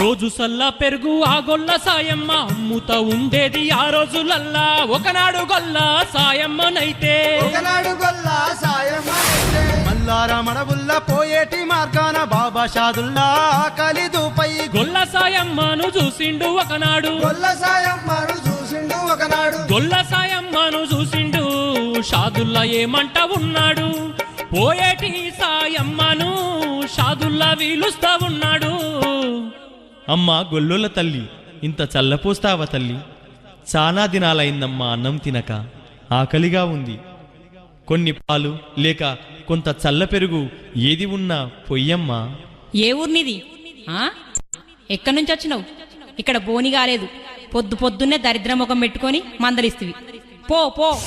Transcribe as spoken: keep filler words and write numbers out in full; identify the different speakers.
Speaker 1: రోజు సల్లా పెరుగు ఆ గొల్ల సాయమ్మ అమ్ముత ఉండేది ఆ రోజులల్లా. ఒకనాడు గొల్ల సాయమ్మనైతే
Speaker 2: ఒకనాడు గొల్ల సాయమ్మనైతే
Speaker 3: మల్లార మడబుల్ల పోయేటి మార్గాన బాబా షాదుల్లా కలిదుపై
Speaker 1: గొల్ల సాయమ్మను చూసిండు ఒకనాడు.
Speaker 2: గొల్ల సాయమ్మను చూసిండు ఒకనాడు.
Speaker 1: గొల్ల సాయమ్మను చూసిండు షాదుల్లా ఏమంట ఉన్నాడు. పోయేటి సాయమ్మను షాదుల్లా వీలుస్తా ఉన్నాడు.
Speaker 4: అమ్మా గొల్లోల తల్లి, ఇంత చల్లపోస్తావా తల్లి? చాలా దినాలైందమ్మా అన్నం తినక, ఆకలిగా ఉంది. కొన్ని పాలు లేక కొంత చల్ల పెరుగు ఏది ఉన్నా పొయ్యమ్మా.
Speaker 5: ఏ ఊర్నిది? ఆ ఎక్కడి నుంచి వచ్చినావు? ఇక్కడ బోని కాలేదు. పొద్దు పొద్దున్నే దరిద్ర ముఖం పెట్టుకొని మందలిస్తివి. పో పో.